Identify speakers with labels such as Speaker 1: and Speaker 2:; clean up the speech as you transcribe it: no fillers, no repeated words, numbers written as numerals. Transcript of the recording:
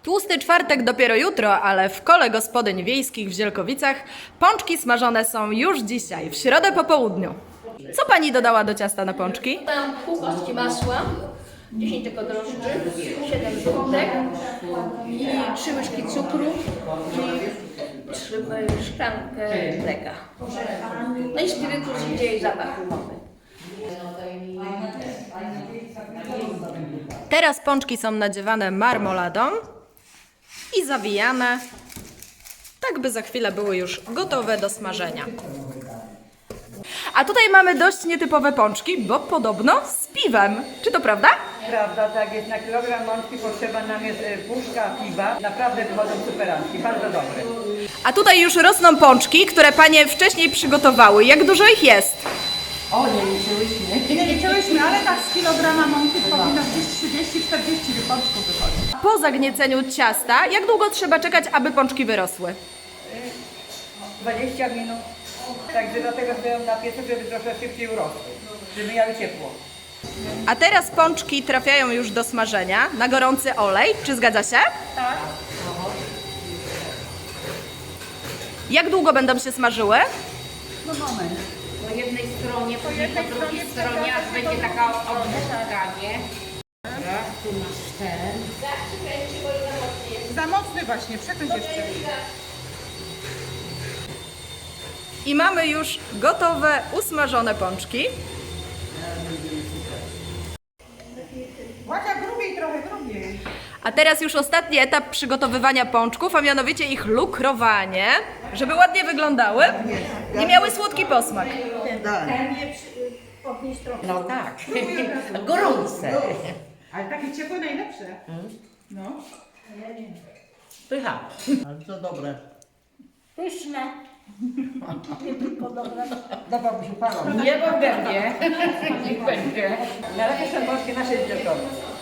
Speaker 1: Tłusty czwartek dopiero jutro, ale w kole gospodyń wiejskich w Zielkowicach pączki smażone są już dzisiaj, w środę po południu. Co pani dodała do ciasta na pączki?
Speaker 2: Tam pół paczki masła, 10 tylko drożdży, 7 żółtek i 3 łyżki cukru i 3 szklankę mleka. No i spirytus idzie i zapach umowy.
Speaker 1: Teraz pączki są nadziewane marmoladą i zawijane, tak by za chwilę były już gotowe do smażenia. A tutaj mamy dość nietypowe pączki, bo podobno z piwem. Czy to prawda?
Speaker 3: Prawda, tak jest. Na kilogram mączki potrzeba nam jest puszka piwa. Naprawdę wychodzą superanki, bardzo dobre.
Speaker 1: A tutaj już rosną pączki, które panie wcześniej przygotowały. Jak dużo ich jest?
Speaker 4: Nie liczyłyśmy, ale tak z kilograma mąki powinno gdzieś 30-40 pączków wychodzić.
Speaker 1: Po zagnieceniu ciasta, jak długo trzeba czekać, aby pączki wyrosły?
Speaker 3: 20 minut. Także dlatego stoją na piecu, żeby trochę szybciej urosły, żeby miały ciepło.
Speaker 1: A teraz pączki trafiają już do smażenia na gorący olej. Czy zgadza się?
Speaker 4: Tak.
Speaker 1: Jak długo będą się smażyły?
Speaker 4: No moment.
Speaker 5: Po jednej stronie, później po drugiej stronie, aż będzie taka obwódka, nie? Raz, tu masz ten.
Speaker 4: Za mocny właśnie, przekręć jeszcze.
Speaker 1: I mamy już gotowe, usmażone pączki.
Speaker 4: Łasia grubiej, trochę grubiej.
Speaker 1: A teraz już ostatni etap przygotowywania pączków, a mianowicie ich lukrowanie, żeby ładnie wyglądały i miały słodki posmak.
Speaker 5: No tak, gorące.
Speaker 4: Ale takie ciepłe najlepsze. No.
Speaker 5: Pycha.
Speaker 6: Bardzo dobre.
Speaker 2: Pyszne.
Speaker 3: Dawałby się parą.
Speaker 5: Nie mogę, nie? Niech będzie.
Speaker 3: Na razie są polskie nasze dzieciaki.